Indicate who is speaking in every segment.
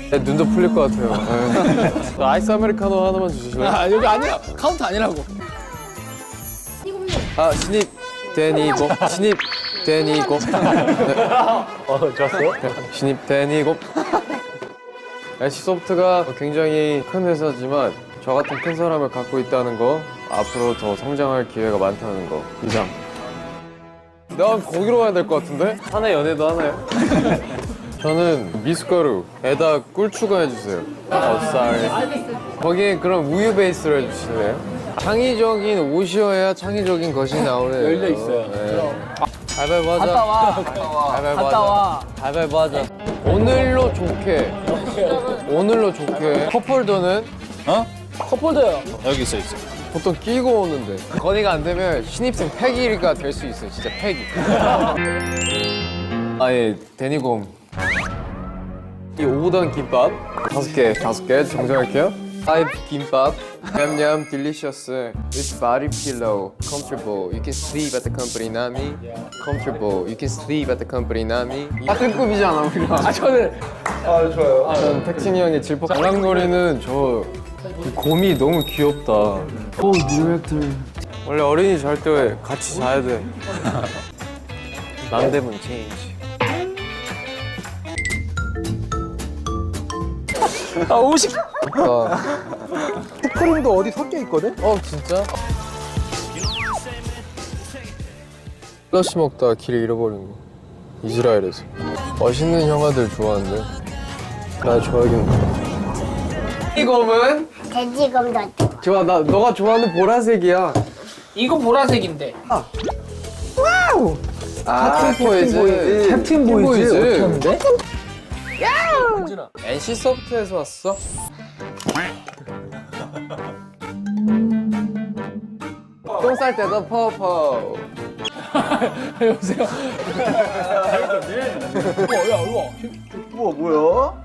Speaker 1: 눈도 풀릴 것 같아요. 저 아이스 아메리카노 하나만 주실래요?
Speaker 2: 아 여기 아니야. 카운트 아니라고.
Speaker 1: 아 신입 데니고 신입 데니고
Speaker 3: 좋았어요?
Speaker 1: 신입 데니고 NC소프트가 굉장히 큰 회사지만 저 같은 큰 사람을 갖고 있다는 거 앞으로 더 성장할 기회가 많다는 거 이상. 난 거기로 가야 될 것 같은데? 하나 연애도 하나요? 저는 미숫가루에다 꿀 추가해주세요. 쌀. 거기에 그럼 우유 베이스로 해주실래요? 창의적인 옷이어야 창의적인 것이 나오네요.
Speaker 2: 열려 있어요.
Speaker 1: 네. 가위바위보 하자.
Speaker 2: 갔다 와.
Speaker 1: 가위바위보
Speaker 2: 갔다 와.
Speaker 1: 하자. 가위바위보 하자. 오늘로 좋게. 오늘로 좋게. 컵홀더는
Speaker 2: 어? 컵홀더요.
Speaker 3: 여기 있어.
Speaker 1: 보통 끼고 오는데. 건의가 안 되면 신입생 패기가 될 수 있어요. 진짜 패기. 아예 데니곰. 이 5단 김밥 5개 정정할게요. 5 김밥 냠냠 delicious with body pillow comfortable you can sleep at the company nami comfortable you can sleep at the company nami 같은 급이잖아 우리가.
Speaker 2: 아 저는
Speaker 1: 전 택진이 형의 질퍽 장난거리는 저 이 곰이 너무 귀엽다. 오 뉴액टर. 원래 어린이 잘 때 같이 자야 돼. 남대문 체인지.
Speaker 2: 아 오식.
Speaker 4: 슈크림도 어디 섞여 있거든?
Speaker 1: 진짜? 플러시 먹다가 길 잃어버린 거 이스라엘에서. 멋있는 형아들 좋아하는데 나 좋아하겠네. 이 검은?
Speaker 5: 돼지검도
Speaker 1: 좋아. 나 너가 좋아하는 보라색이야.
Speaker 2: 이거 보라색인데.
Speaker 1: 캡틴 보이즈.
Speaker 4: 캡틴 보이즈 어떻게 하는데?
Speaker 1: NC 소프트에서 왔어? 똥 쌀 때도 퍼퍼.
Speaker 2: 여보세요. 야 이거.
Speaker 4: 우와 뭐야?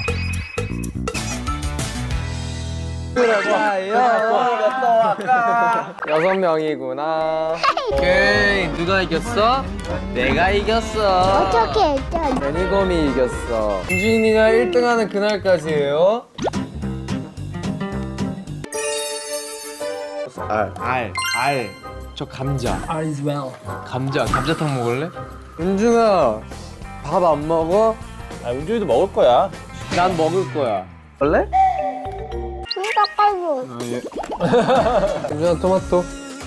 Speaker 1: 여섯 명이구나. 오케이. 누가 이겼어? 내가 이겼어.
Speaker 5: 어떻게 했죠?
Speaker 1: 데니검이 이겼어. 윤준이가 1등하는 그날까지예요. 알. 저 감자.
Speaker 2: All is well.
Speaker 1: 감자탕 먹을래? 윤준아, 밥 안 먹어?
Speaker 3: 아, 은준이도 먹을 거야.
Speaker 1: 난 먹을 거야. 원래?
Speaker 5: 이거 빨고
Speaker 1: 윤준아 토마토.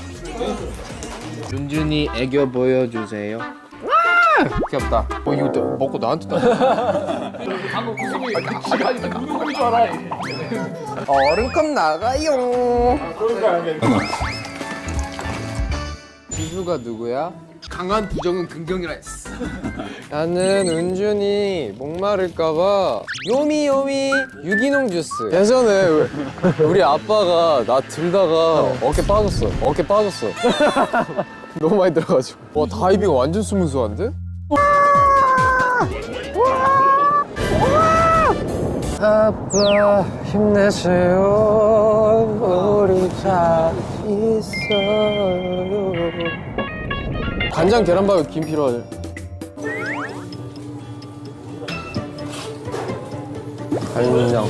Speaker 1: 윤준이 애교 보여주세요. 귀엽다. 이거 또 먹고 나한테 다.
Speaker 2: 방금 그 소리. 누구 줄 알아?
Speaker 1: 얼음컵 나가요. 지수가 누구야? 강한 부정은 긍정이라 했어. 나는 은준이 목마를까봐 요미 유기농 주스. 예전에 우리 아빠가 나 들다가 어깨 빠졌어. 너무 많이 들어가지고. 와 다이빙 완전 스무스한데? 아빠 힘내세요. 우리 잘 있어요. 간장 계란밥에 김 필요하지. 간장.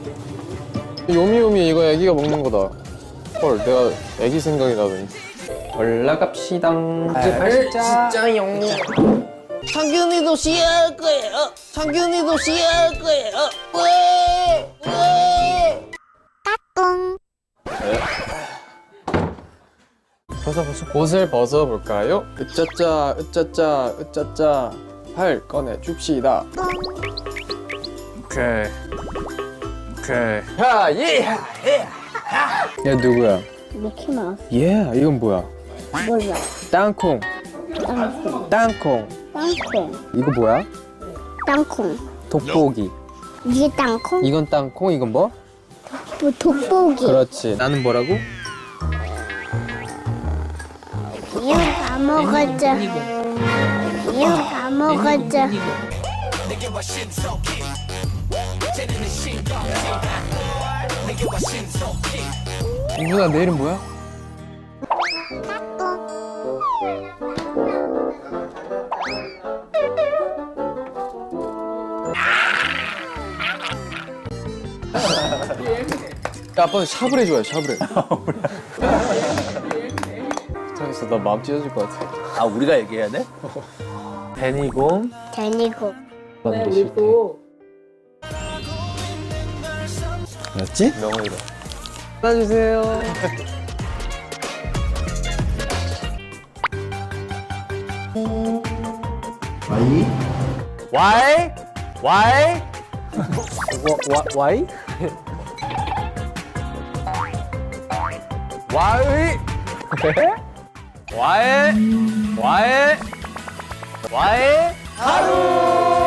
Speaker 1: 요미요미 이거 애기가 먹는 거다. 헐 내가 애기 생각이 나더니. 올라갑시다. 진짜요. 창균이도 시야할 거예요. 창균이도 시야할 거예요. 왜?
Speaker 5: 뿡
Speaker 1: 벗어. 옷을 벗어볼까요? 으짜짜. 팔 꺼내 줍시다. 오케이. 얘 누구야?
Speaker 5: 미키마우스
Speaker 1: 얘 이건 뭐야?
Speaker 5: 몰라
Speaker 1: 땅콩.
Speaker 5: 땅콩
Speaker 1: 이거 뭐야?
Speaker 5: 땅콩
Speaker 1: 돋보기.
Speaker 5: 이게 땅콩?
Speaker 1: 이건 땅콩, 이건 뭐?
Speaker 5: 뭐 돋보기
Speaker 1: 그렇지. 나는 뭐라고?
Speaker 5: 이거 다 먹었자 이거 다 먹었자
Speaker 1: 윤준아 내 이름 뭐야? 아빠는 샤브레 좋아해, 샤브레. 못하겠어, 나 마음 찢어질 것 같아.
Speaker 3: 아, 우리가 얘기해야 돼? 데니곰.
Speaker 5: 데니고.
Speaker 3: 뭐였지?
Speaker 1: 명언이다. 따주세요.
Speaker 3: 와이? 와이?
Speaker 4: 와이?
Speaker 3: 와이? 와이? 와이? 와이? 하루!